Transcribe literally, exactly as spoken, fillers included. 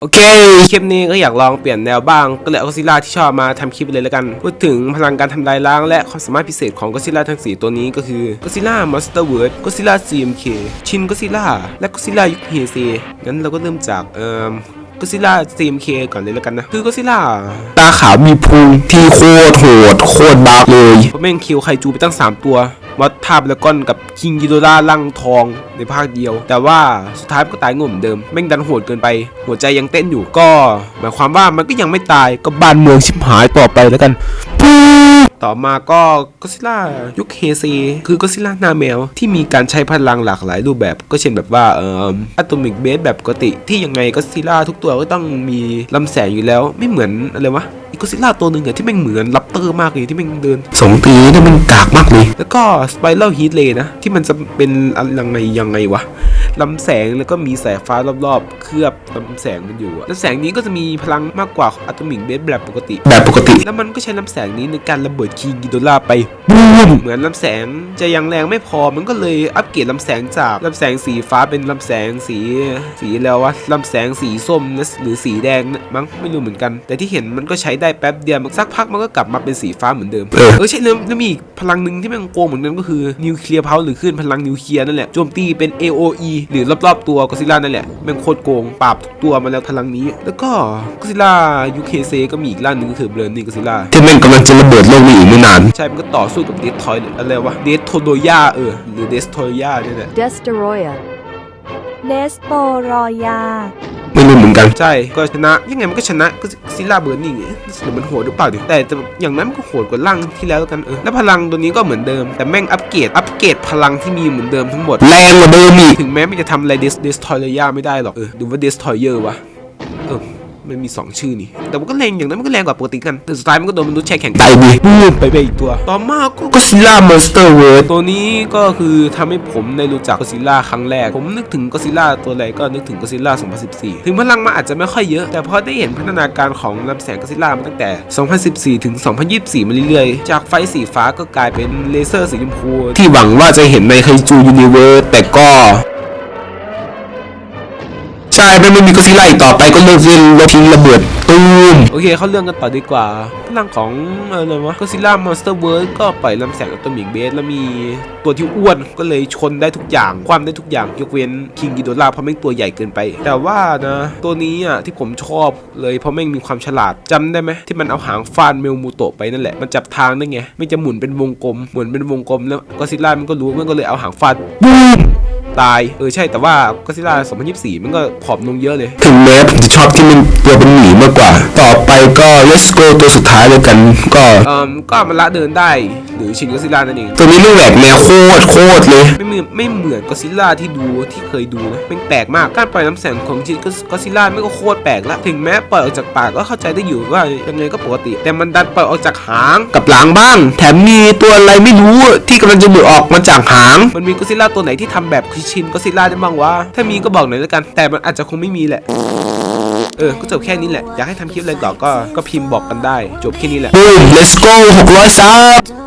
โอเคคลิปนี้ก็อยากลองเปลี่ยนแนวบ้างก็เลยเอาก็อดซิลล่าที่ชอบมาทำคลิปเลยแล้วกันพูดถึงพลังการทำลายล้างและความสามารถพิเศษของก็อดซิลล่าทั้งสี่ตัวนี้ก็คือก็อดซิลล่ามอนสเตอร์เวิร์ดก็อดซิลล่า ซี เอ็ม เค ชินก็อดซิลล่าและก็อดซิลล่ายุคเฮเซงั้นเราก็เริ่มจากเอ่อก็อดซิลล่า ซี เอ็ม เค ก่อนเลยแล้วกันนะคือก็อดซิลล่าตาขาวมีพุงที่โคตรโหดโคตรบ้าเลยเพราะแม่งคิวไคจูไปตั้งสามตัวมอสทาบแล้วก้อนกับคิงกิโดราลังทองในภาคเดียวแต่ว่าสุดท้ายก็ตายงมเดิมแม่งดันโหดเกินไปหัวใจยังเต้นอยู่ก็หมายความว่ามันก็ยังไม่ตายก็บ้านเมืองชิบหายต่อไปแล้วกันต่อมาก็ก็อดซิลล่ายุคเฮเซคือก็อดซิลล่าหน้าแมวที่มีการใช้พลังหลากหลายรูปแบบก็เช่นแบบว่าเอ่ออะตอมิกเบสแบบปกติที่ยังไงก็อดซิลล่าทุกตัวก็ต้องมีลำแสงอยู่แล้วไม่เหมือนอะไรวะก็อดซิลล่าตัวหนึ่งอะที่แม่งเหมือนลัปเตอร์มากเลยที่แม่งเดินสองปีนี่มันกากมากเลยแล้วก็สไปรัลฮีทเลย์นะที่มันจะเป็นยังไงยังไงวะลำแสงแล้วก็มีสายฟ้ารอบๆเคลือบลำแสงมันอยู่ลำแสงนี้ก็จะมีพลังมากกว่าอะตอมิกเบสแบบปกติแบบปกติแล้วมันก็ใช้ลำแสงนี้ในการระเบิดคิงกิโดราไปบูมเหมือนลำแสงจะยังแรงไม่พอมันก็เลยอัปเกรดลำแสงจากลำแสงสีฟ้าเป็นลำแสงสีสีแล้ววะลำแสงสีส้มหรือสีแดงมั้งไม่รู้เหมือนกันแต่ที่เห็นมันก็ใช้ได้แป๊บเดียวสักพักมันก็กลับมาเป็นสีฟ้าเหมือนเดิมเออใช่แล้วแล้วมีอีกพลังหนึ่งที่มันโกงเหมือนกันก็คือนิวเคลียร์เพาหรือคลื่นพลังนิวเคลียร์นั่นแหละโจมตีเป็น เอ โอ อี หรือรอบๆตัวก็อดซิลล่านั่นแหละแม่งโคตรโกงปราบทุกตัวมาแล้วพลังนี้แล้วก็ก็อดซิลล่ายูเคเซก็มีอีกร่างหนึ่งก็คือเบรนนี่ก็อดซิลล่าที่แม่งกำลังจะระเบิดโลกนี้อีกไม่นานใช่มันก็ต่อสู้กับเดสทอยอะไรวะเดสโทโดยาเออหรือเดสโทยาเนี่ยแหละ Destoroyah Destoroyah ไม่รู้เหมือนกันใช่ก็ชนะยังไงมันก็ชนะก็ซิลล่าเบอร์นิ่งหรือมันโหดหรือเปล่าดิแต่อย่างนั้นมันก็โหดกว่าร่างที่แล้วกันเออแล้วพลังตัวนี้ก็เหมือนเดิมแต่แม่งอัปเกรดอัปเกรดพลังที่มีเหมือนเดิมทั้งหมดแรงกว่าเดิมอีกถึงแม้มันจะทำอะไรเดสเดสทอยเลยาไม่ได้หรอกเออดูว่าเดสทอยเยอร์วะเออมันมีสองชื่อนี่แต่มันก็แรงอย่างนั้นมันก็แรงกว่าปกติกันแต่สุดท้ายมันก็โดนมนุษย์แช่แข็งตายดิบูมไปไปอีกตัวต่อมาก็ก็ซิลล่ามอนสเตอร์เวิร์ดตัวนี้ก็คือทำให้ผมได้รู้จักก็ซิลล่าครั้งแรกผมนึกถึงก็ซิลล่าตัวอะไรก็นึกถึงก็ซิลล่าสองพันสิบสี่ถึงพลังมันอาจจะไม่ค่อยเยอะแต่พอได้เห็นพัฒนาการของลำแสงก็ซิลล่ามาตั้งแต่สองพันสิบสี่ถึงสองพันยี่สิบสี่มาเรื่อยๆจากไฟสีฟ้าก็กลายเป็นเลเซอร์สีชมพูที่หวังว่าจะเห็นในไคจูยูนิเวิร์สแต่ก็ใช่ไม่มีก็อดซิลล่าอีกต่อไปก็เลิกเล่นรถทิ้งระเบิดตูมโอเคเขาเรื่องกันต่อดีกว่าพลังของอะไรวะก็อดซิลล่ามอนสเตอร์เวิร์ดก็ปล่อยลำแสงอะตอมิกเบสแล้วมีตัวที่อ้วนก็เลยชนได้ทุกอย่างความได้ทุกอย่างยกเว้นคิงกิโดราเพราะแม่งตัวใหญ่เกินไปแต่ว่านะตัวนี้อ่ะที่ผมชอบเลยเพราะแม่งมีความฉลาดจำได้ไหมที่มันเอาหางฟาดเมลมูโตะไปนั่นแหละมันจับทางได้ไงไม่จะหมุนเป็นวงกลมหมุนเป็นวงกลมแล้วก็อดซิลล่ามันก็รู้มันก็เลยเอาหางฟาดบูมตายเออใช่แต่ว่าก็อดซิลล่าสองพันยี่สิบสี่มันก็ผอมลงเยอะเลยถึงแม้ผมจะชอบที่มันตัวเป็นหมีมากกว่าต่อไปก็ let's go ตัวสุดท้ายเลยกันก็เอ่อก็มันละเดินได้หรือชินก็อดซิลล่านั่นเองตัวนี้มันแหวกแนวโคตรโคตรเลยไม่เหมือนไม่เหมือนก็อดซิลล่าที่ดูที่เคยดูนะมันแปลกมากการปล่อยน้ำแสงของชินก็อดซิลล่าไม่ก็โคตรแปลกละถึงแม้ปล่อยออกจากปากก็เข้าใจได้อยู่ว่ายังไงก็ปกติแต่มันดันปล่อยออกจากหางกับหลังบ้างแถมมีตัวอะไรไม่รู้ที่กำลังจะหลุดออกมาจากหางมันมีก็อดซิลล่าตัวไหนที่ทำแบบชินก็อดซิลล่าได้บ้างวะถ้ามีก็บอกหน่อยแล้วกันแต่มันอาจจะคงไม่มีแหละเออก็จบแค่นี้แหละอยากให้ทำคลิปอะไรต่อก็ก็พิมพ์บอกกันได้จบแค่นี้แหละ let's go หกร้อยซับ